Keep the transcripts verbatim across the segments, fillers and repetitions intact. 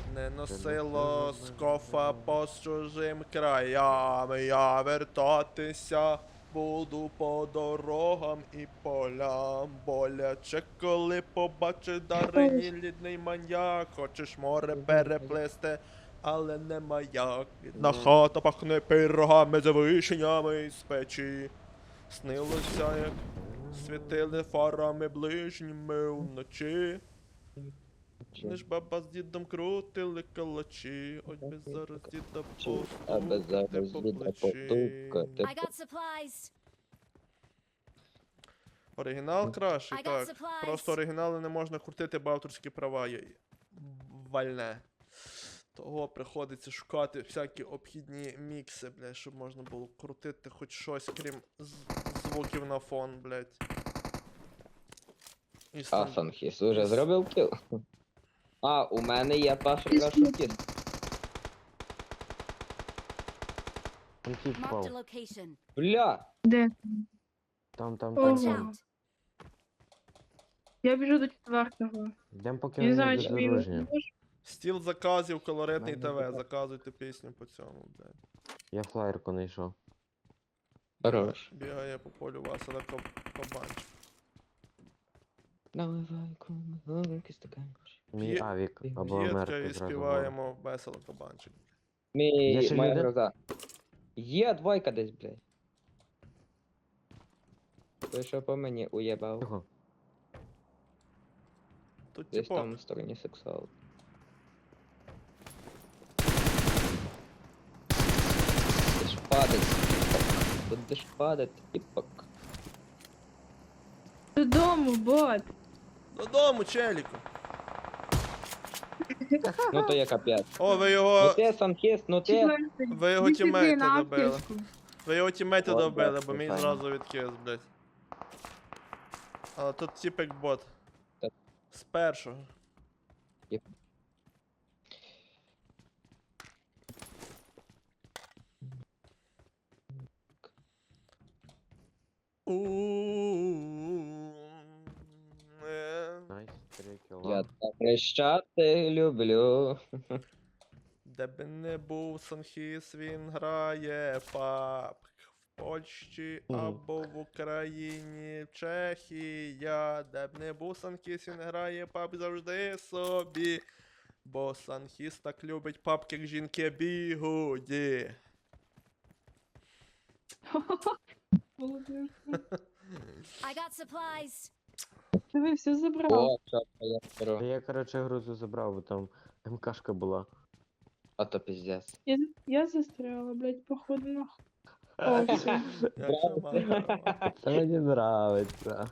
не носило скофа по чужим краям. Я вертатися буду по дорогам і полям. Боляче, коли побачиш Дарині лідний маньяк. Хочеш море переплисти, але не маяк. Бідна хата пахне пирогами з вишнями з печі. Снилося, як світили фарами ближніми вночі. Не ж баба з дідом крутили калачі, ось би зараз діда Аби постукати зараз по діда плечі. потукати. I got supplies. Оригінал кращий, I got так. supplies. Просто оригінали не можна крутити, бо авторські права є вальне. Того приходиться шукати всякі обхідні мікси, блядь, щоб можна було крутити хоч щось, крім з- звуків на фон, блядь. І А, стан- Санхіс уже зробив кіл? А, у мене є перший рашутіс. Конфлікт Marked a впав. location. Бля! Де? Там, там, Ого. там. Watch там. out. Я біжу до четвертого. Йдемо поки Я не не знаю, чи мій бездорожня. Стіл заказів, колоритний Мене ТВ, буде. заказуйте пісню по цьому, блядь. Я флаєрку знайшов. Хорош. Бігає по полю Васила Каб- Кабанчик. Наливай кумовики стакан. Мій П'є- авік або П'єтка Америка і зразу говорю. співаємо весело Кабанчик. Мій, Є ще моя люди? гроза. Є двойка десь, блядь. Той, що по мені уєбав. Тихо. Тут Десь типу, там в стороні сексуал. Будеш падать, тіпок. Будеш падать, тіпок. Додому, бот. додому, челіку. Ну то є капець. О, ви Ну його, ти, Санхіс, ну ти. Четвертий. ви його Іди сюди, тімейта на добили. аптечку. Ви його тімейта От, добили, бачите, бо мій файно. зразу відкис, блядь. Але тут типик бот. Так. З першого. Єп. Е, Найс, три кіла. Я так хрещати люблю. Де би не був Санхіс, він грає паб. В Польщі Мгм. або в Україні, в Чехія. Де б не був Санхіс, він грає паб завжди собі. Бо Санхіс так любить паб, як жінки бігуді. I got supplies. Диви, все забрав. О, чорт, я Та беру. я, короче, грузу забрав, бо там МКшка була. А то піздець. Я, я застряла, блядь, походу нахуй. О, все. Я ще маю. Та мені нравиться.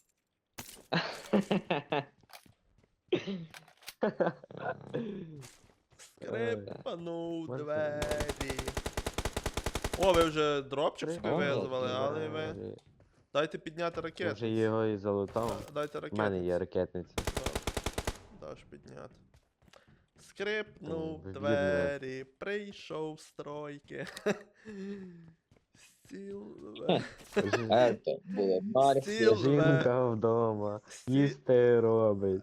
Скрипанув Ой. двері. О, ви вже дропчик собі О, визвали, але ви. двері. Дайте підняти Я вже ракетницю. його і залутав. Дайте У ракетницю. мене є ракетниця. Даш підняти. Скрипнув О, вивірно. двері, прийшов з тройки. Стіл. Ето було Марсі. Стіл. Жінка вдома, їсти робить.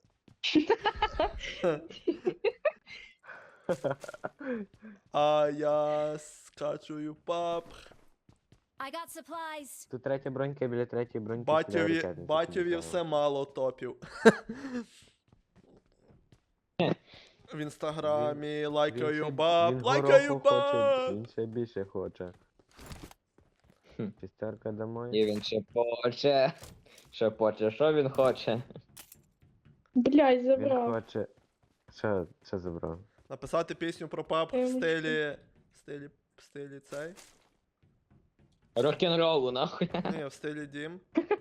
А я скачую пап. I got supplies. Тут третя бронька, біля третьої броньки. сюди Батьові, ракетниця батьові підлітала. все мало топів. В інстаграмі Він лайкаю ще- баб, він лайкаю гороху хоче, баб! він ще більше хоче. Хм. Шестерка І домой. він ще хоче. Що хоче, що він хоче? Блядь, Він забрав. хоче. Що, що забрав? Написати пісню про пап Я в йому стилі. В стилі. В стилі цей. Рок-н-ролу, нахуй. Ні, в стилі Дім.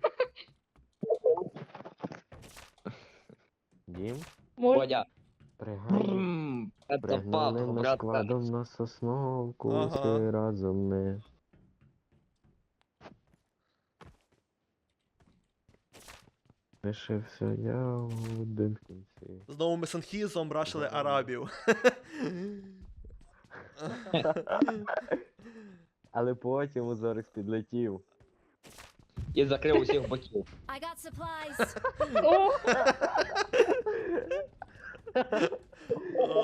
Дім? Може, Бодя. Пригай. Брррм, Это пап, Пригнали ми брат. складом на сосновку, Ага. всі разом ми. Лишився я один в кінці. Знову ми Санхізом брашили Да. арабів. Але потім Узорик підлетів. І закрив усіх боків. I got supplies. о,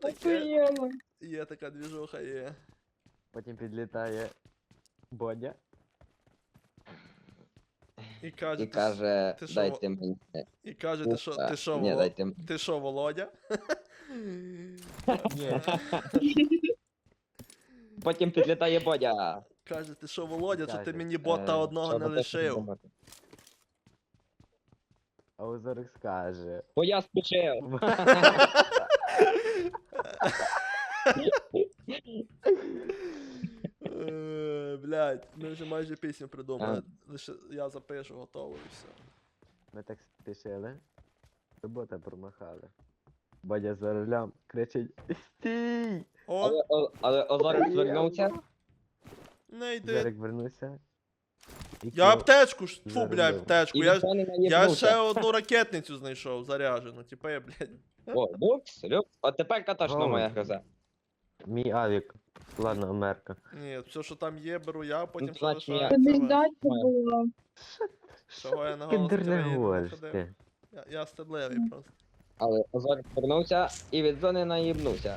таке. Охуєнно. Є така двіжуха, є. Потім підлітає Бодя. І каже, І ти, каже, ти що, дайте мені. і каже, ти що, ти що, Ні, Воло- дайте мені. ти що, Володя? Ні. Потім підлітає Бодя. Каже, ти що, Володя, що ти Каже, мені бота Е, одного що не ви хочете лишив? думати? А Озорик скаже. Бо я спішив. Е, Блядь, ми вже майже пісню придумали. Лише я запишу, готово і все. Ми так спішили. Робота промахали. Бодя за рулем кричить: Стій! О, Але, о- але Озорик звернувся. не йди. Зорик вернувся. І Я кіл- аптечку, ж- фу, Заробив. блядь, аптечку. І Я, ніхто не я наїбнувся. ще одну ракетницю знайшов заряджену. Типа я, блядь. О, люкс, люкс. От тепер та точно Голос. моя гроза. Мій авік. Ладно, Америка. Ні, все, що там є, беру я, потім Ну, що значить, я- лишається. Тобі ви. здатися було. Чого я на голос Кіндер не країни не говориш ходив? ти. Я, я стидливий просто. Але Озорик повернувся і від зони наїбнувся.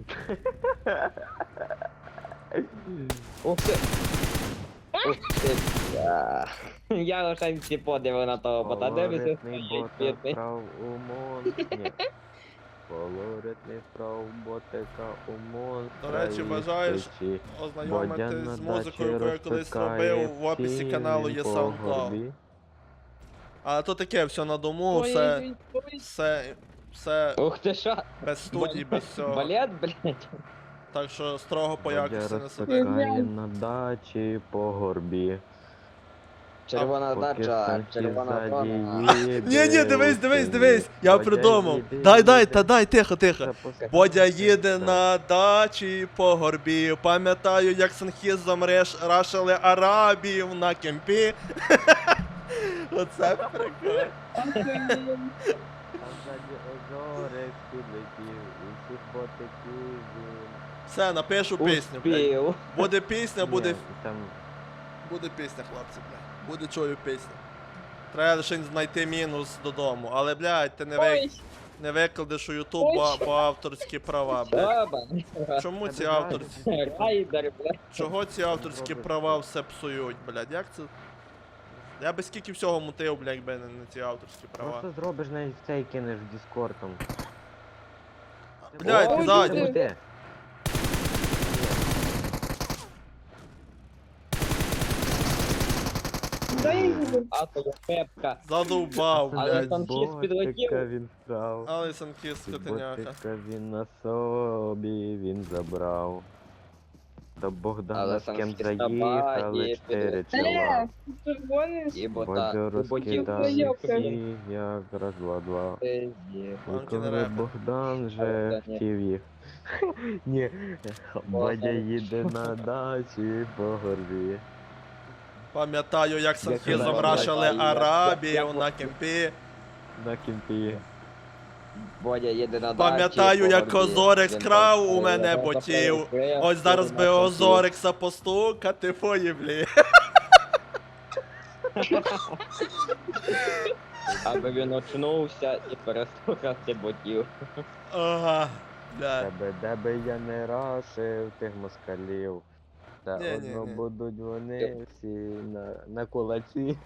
Ух ти! Ух ти! бля. Я лише всі подиви на того бота, де ви Колоритний стоїть, бота бідний. вправ у мон... Ні. Колоритний вправ ботика у монстра. До речі, і бажаєш кричи, Ознайомитись Бодя з на музикою, яку дачі я колись розпикає робив, в описі всі каналу він є по SoundCloud. горбі. А то таке, все на дому, Ой, все, ой, ой. все, все Ух ти що? без студій, без всього. Балет, блядь. Так що строго по Бодя якості не сиди. розпикає на дачі по горбі. Червона Поки дача, Санті червона ззаді зона. їде Ні, ні, дивись, у дивись, селі. дивись, я Бодя придумав. їде, Дай, дай, їде, та дай, тихо, тихо. запускає Бодя їде серце. на дачі по горбі. Пам'ятаю, як Санхізом реш... рашили арабів на кемпі. Оце прикольно. Охуєнно. А ззаді озорик підлетів, усіх ботиків він. Все, напишу пісню, блядь. Успів. Буде пісня, буде, Ні, там буде пісня, хлопці, блядь. Буде чую пісню. Треба лише знайти мінус додому. Але, блядь, ти не, ви... Ой, не викладеш у Ютуб, бо, бо авторські права, блядь. Баба. Чому ці Тебе авторські... Райдер, блядь. Чого ці авторські права все псують, блядь? Як це? Я би скільки всього мутив, блядь, якби не, не ці авторські права. просто зробиш навіть цей кинеш в Discord там. Блядь, Ой, ззаді. люди. Де? дай його. А то я пепка. Задовбав, Але блядь. там хіст підлетів. Ботика він вкрав. Але Санкіс скотиняка. Ботика він на собі він забрав. До Богдана Але з ким Санкіс заїхали табаї чотири Е, чола. ти гониш? І бота. Бодю У ботів. розкидали Йопта. всі, як раз два два. Ти є. І Манки коли не репер. Богдан же Богдан, ні. хотів їх. Ні, Бодя їде на дачі по горбі. Пам'ятаю, як Санхізом Як рашили я- арабів я- на кемпі. На кімпі. Бодя їде на дачі. Пам'ятаю, по як горбі. Озорик Він скрав там у мене стояв, ботів. стояв, Ось зараз стояв би на кемпі. Озорикса постукати по єблі. Аби він очнувся і перестукати ботів. Ага, блядь. Тебе, де би я не рашив тих москалів. Та Ні, ні, одно ні. будуть вони всі на, на кулаці.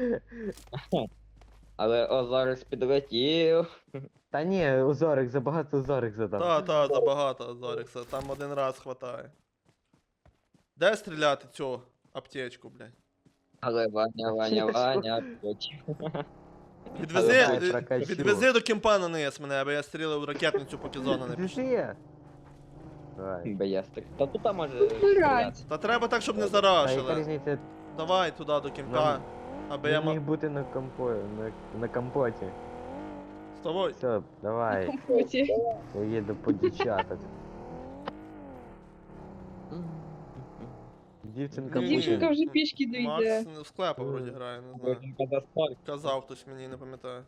Але Озорик підлетів. Та ні, Озорик, забагато Озорик задав. Та, та, забагато Озорикса, там один раз хватає. Де стріляти цю аптечку, блядь? Але Ваня, Ваня, Ваня, потім. Відвези, Але від- прокачу. відвези до кемпа на низ мене, аби я стрілив ракетницю, поки зона не пішла. Пішли. Давай. Беєстрик. Та тут там може Блядь. стріляти. Та треба так, щоб не Та яка зарашили. різниця? Давай туди до кемпа, Нам- аби я Він міг мав... бути на компо... на, на компоті. З тобою. Все, давай, Компоті. я їду по дівчатах. Дівчинка Ні, буде. Дівчинка вже пішки дійде. Макс в склепа вроді грає, не знаю. Потім коли спорт. Казав хтось мені, не пам'ятаю.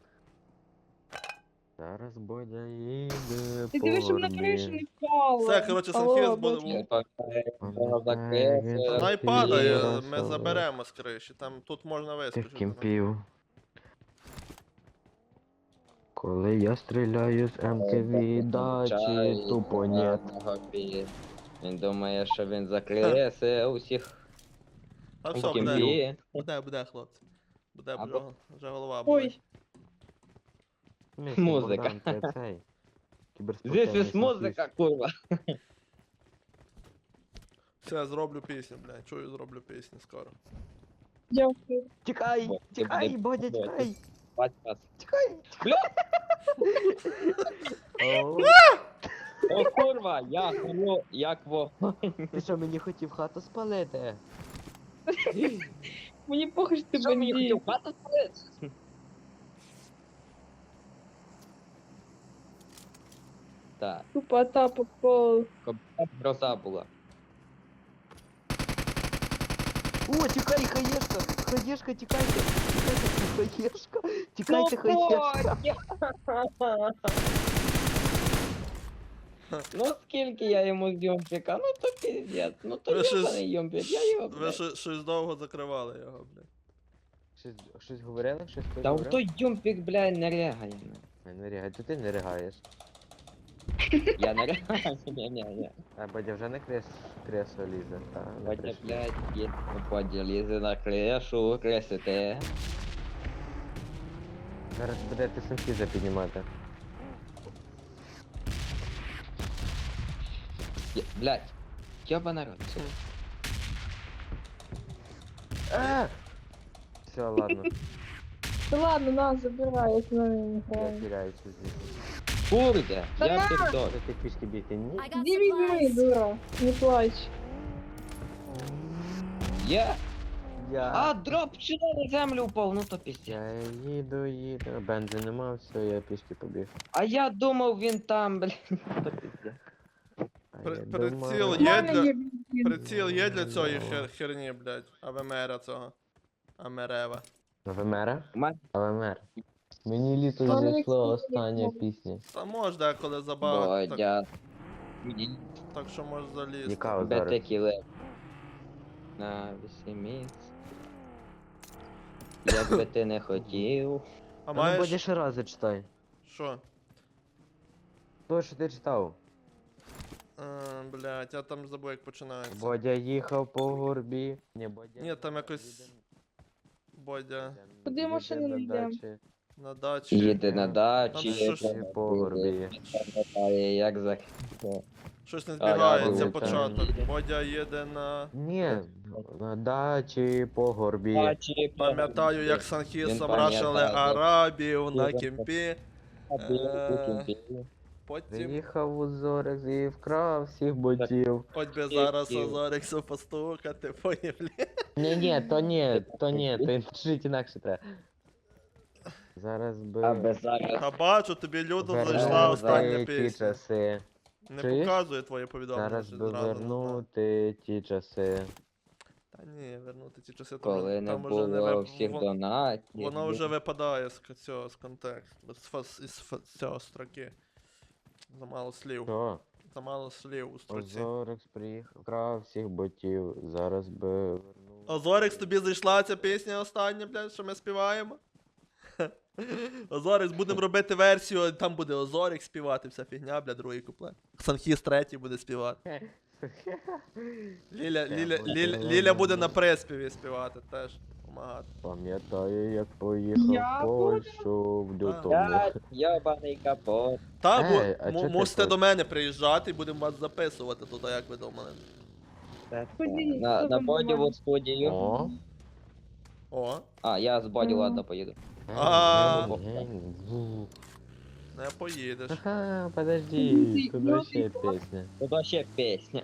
Зараз Бодя їде Ти по дивись, щоб на кришу не горбі. впало. Все, коротше, Алло, Санхіз буде- Бодя. Я пам'ятаю, воно закриється. Вона й Ти падає, раз, ми раз. заберемо з криші, там тут можна Тих вискочити. кімпів. Коли я стріляю з МК віддачі, тупо нет. Він думає, що він закриє все усіх А у все, буде, кімпі. буде, буде, хлопці. Буде, Або- вже, вже голова болить. Ой, Місяць, Музика. Богдан, це цей. This Кіберспортивний is музика, курва. Все, зроблю пісню, блядь. Чую, зроблю пісню скоро. дякую. Тікай, Бо- тікай, буде- Бодя, буде. тікай. Бать вас. Тікай. Бля! О, О, курва, як во, як во. Ти що, мені хотів хату спалити? Мені похуй, що ти Що мені бандит. хотів хату спалити? Так, Тупо тапа пол. кобта гроза була. О, тікай, хаєшка, хаєшка, тікайте, тікайте, хаєшка, тікайте, Ну, хаєшка. Бодя! Ну скільки я йому йомпіка, ну то піздець, ну то Ви щось- йобаний йомпік, я його, Ви блядь. щось, щось довго закривали його, блядь. Щось, щось говорили, щось хтось Та в говорив? той йомпік, блядь, не рягає. ну. Ай, не рігай, то ти не ригаєш. Я не рягаю, ні, ні, ні. А Бодя вже на крес, кресло лізе, та, не Бодя, прийшли. блядь, є, Бодя лізе на кришу, кресите. Зараз будете синхіза піднімати. Є- Блядь, йоба народ, сука. А! Все, ладно, Та ладно, на, забирай, я з нами не я граю. теряюся звідси. Курде, я піздос. Що ти пішки бігти? Ні. I got Іди візьми, supplies. дура, не плач. Я? Я... А, дроп вчора на землю упав, ну то піздець. Я їду, їду, бензин нема, все, я пішки побіг. А я думав він там, блядь, ну то піздець. А При- я приціл думав- Є У мене для- є бензин. Приціл є для цієї хер, херні, блядь. АВМР цього. Амерева. ВМР? Ма- ВМР. Мені літо Вони зайшло всі остання такі. пісня. Та може деколи забагато, так, Бодя. так що може залізти. Яка Бете зараз? кіле. На вісіміць. Як би ти не хотів. А Та ну Бодя маєш... ще раз зачитай. Що? То, що ти читав. А, блядь, я там забув як починається. Бодя їхав по горбі. Ні, Бодя. Ні, там якось... Бодя Куди машини не йдемо? на дачі. Їде на Там дачі, що ж- їде По горбі. пам'ятає, як за... Щось не А, я збігається думаю, початок. там- Бодя їде на... Ні, на дачі по горбі. Дачі, Пам'ятаю, як Він Санхісом пам'ятає, рашили да. арабів на Дуже кімпі. пам'ятає. Потім... Приїхав у Зорекс і вкрав всіх ботів. Хоч би зараз Кіл. Азорексу постукати, поняв, блядь. Ні, ні, то ні, то ні, то жить інакше треба. Зараз А би без зараз. Та бачу, тобі людом Вернути зайшла остання вернути ті пісня. часи. Не Чуєш? показує твоє повідомлення. Зараз що би зразу не знаю. вернути ті часи. Та ні, вернути ті часи, там, Коли не там уже не було вип... всіх вон- донатів. Воно вже випадає з к- цього, з контексту, з, фас- із фа- цього строки. Замало слів. Що? Замало слів у строці. Зорекс приїхав, вкрав всіх ботів. Зараз би вернув. Озорекс, тобі зайшла ця пісня остання, блядь, що ми співаємо? Озорекс, будемо робити версію, там буде Озорекс співати, вся фігня, бля, другий куплет. Санхіс третій буде співати. Ліля, Це Ліля, буде Ліля, воно. Ліля буде на приспіві співати теж. Помагати. Пам'ятаю, як поїхав Я в Польщу в лютому. Я йобаний капот. Та, бу- Ей, а му- чо ти мусите так? до мене приїжджати і будемо вас записувати туди, як ви думали. Ходіть, На, хто на там бодіву має? студію. О, О, А, я з боді, Мгм. ладно, поїду. А. Гень-гень-гу. не поїдеш. Ага, подожди, тут Ну, вообще ти песня. Тут ще пісня.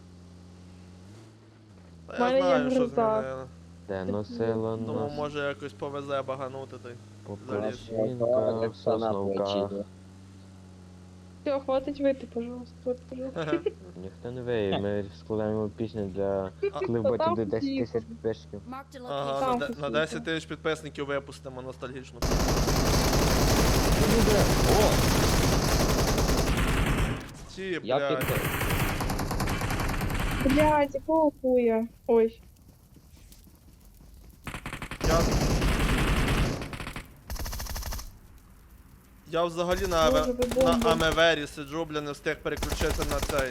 Та Мене я знаю, є що гроза. змінили. Де носило Думав, нас може якось повезе баганути той. по заліз. плащинках, в сосновках. Все, хватить вийти, пожалуйста. Вот, пожалуйста. Ніхто не виє, ми складаємо пісню для А- коли Та буде там десять всі. тисяч підписчиків. Marked a Ага, location. на, Там де- на посвіти. десять тисяч підписників випустимо ностальгічну. О, Ті, я блядь. під... Блядь, якого хуя? Ой. Я... Я взагалі на, Боже, аве... ви на бомба. Амевері сиджу, бля, не встиг переключитися на цей.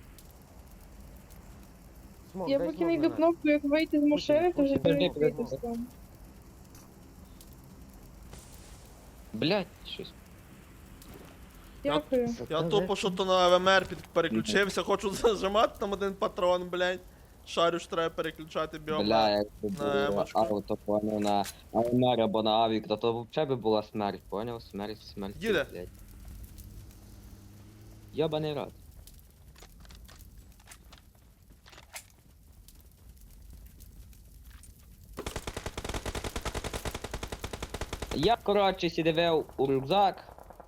Смок, Я дай поки смок не на йду нас. кнопку, як вийти з машини, то вже Подожди, перевірити подожди. стан. Блять, щось. Дякую. Я тупо що то на АВМР під... переключився, хочу зажимати там один патрон, блядь. Шарю ж треба переключати Бля, біомет. якби на було емочку. авто, поняв, на Алмер або на Авік, то то взагалі би була смерть, поняв? Смерть, смерть. Їде. блядь. Йобаний рот. Я, коротше, сідивив у рюкзак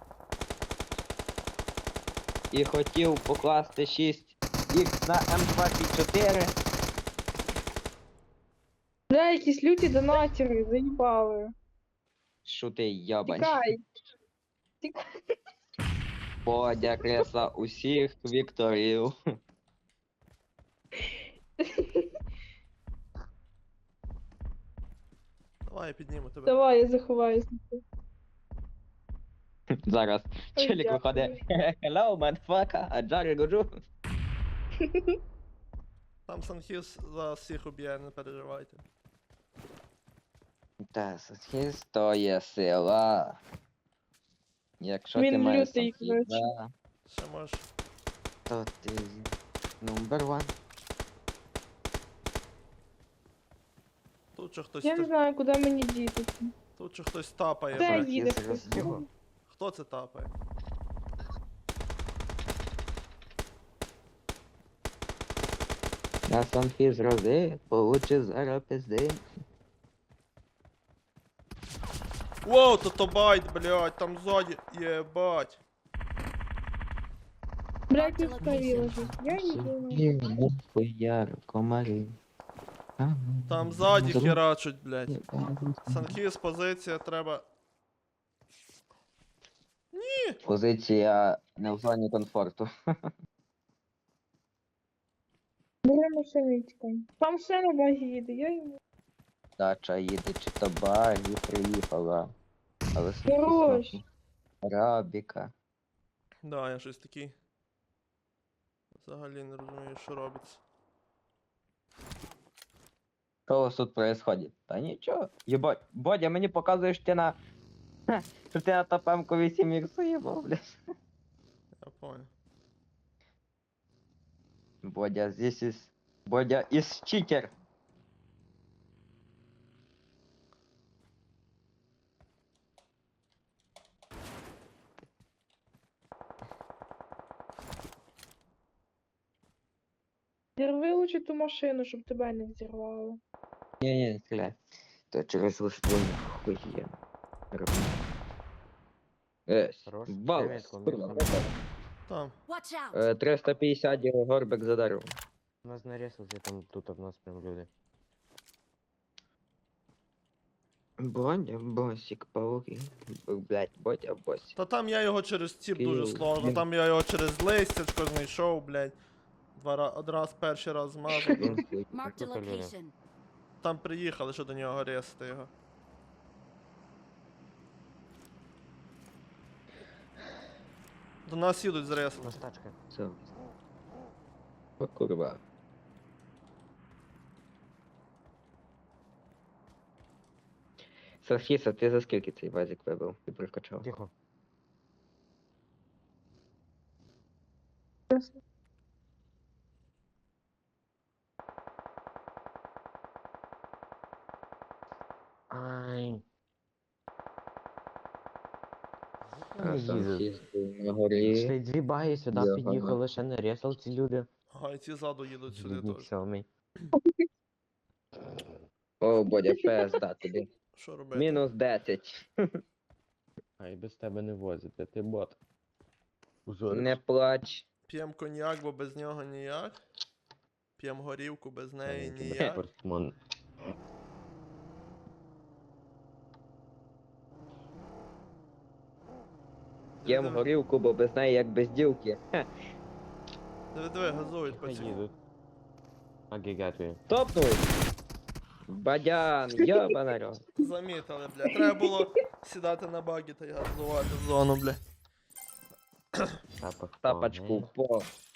і хотів покласти шість ікс на М двадцять чотири. Бля, якісь люті донатери, заїбали. Шути йобань. Тікай. Подя кресла усіх вікторів. Давай я підніму тебе. Давай, я заховаюсь. Зараз Ой, челік дякую. виходить. Hello, motherfucker, а Джарі годжу. Там Санхіс за всіх уб'є, не переживайте. Та, схист то є сила. Якщо ти Він маєш лютий, коротше. схиста, Ще можеш. то ти number one. Тут же хтось Я не та- знаю, куди мені дітися. тут же хтось тапає, Де блядь. їде Санхіз хтось? роз'їбав. Хто це тапає? Я сам фіз рози, получи зараз пизди. Воу, то то байт, блядь, там ззаді, єбать. Блядь, не ставила же. Я не знаю. Хуяр, комарі. Там ззаді херачуть, блядь. Санхіс, позиція, треба. Позиція не в зоні комфорту. Бере машину і тікай. Там ще на базі їде, я йому. Дача їде, чи то багі приїхала. Але Хорош. скільки Рабіка. Да, я щось такий. Взагалі не розумію, що робиться. Що у вас тут происходит? Та нічого. Єбать, Бодя, мені показуєш ти на... Ха, що ти на топемку вісім ікс уїбав, блядь. Я понял. Бодя, this is... Бодя is cheater. Зірви лучше ту машину, щоб тебе не взірвало. Ні-ні, не стріляй. То через виствольну хує. Ес, Хорош. бал. Привіт, комбінезон. Там. Watch out! Е, триста п'ятдесят його горбик за дерево. У нас нарезался, там тут в нас прям люди. Бодя, босик, пауки. Блять, Бодя, босик. Та там я його через ціп дуже Київ. сложно. Там я його через листячко знайшов, блядь. Два ра... Один раз перший раз змазав. Він хуй. Marked a Тут люди. location. Там приїхали, що до нього ресити його. До нас їдуть У зресити. нас тачка. Все. О, курва. Софіса, ти за скільки цей вазик вибив і прокачав? Тихо. Ай. А Вони сам їздять. сіст на горі. Йшли дві баги сюди Його під'їхали, ще не ресал ці люди. А і ці ззаду їдуть сюди Бідник теж. сьомий. О, Бодя, пизда тобі. Що робити? Мінус десять. А і без тебе не возять, а ти бот. Узориш. Не плач. П'єм коньяк, бо без нього ніяк. П'єм горівку, без неї Маленький ніяк. портмон. Єм Диви, горілку, бо без неї як без дівки. Хе. диви, диви, газують по Хай цьому. їдуть. Агігатує. Топнув. Бадян, йобана рот. Замітили, бля. Треба було сідати на багі та й газувати в зону, бля. Тапок Тапочку повний. в пол.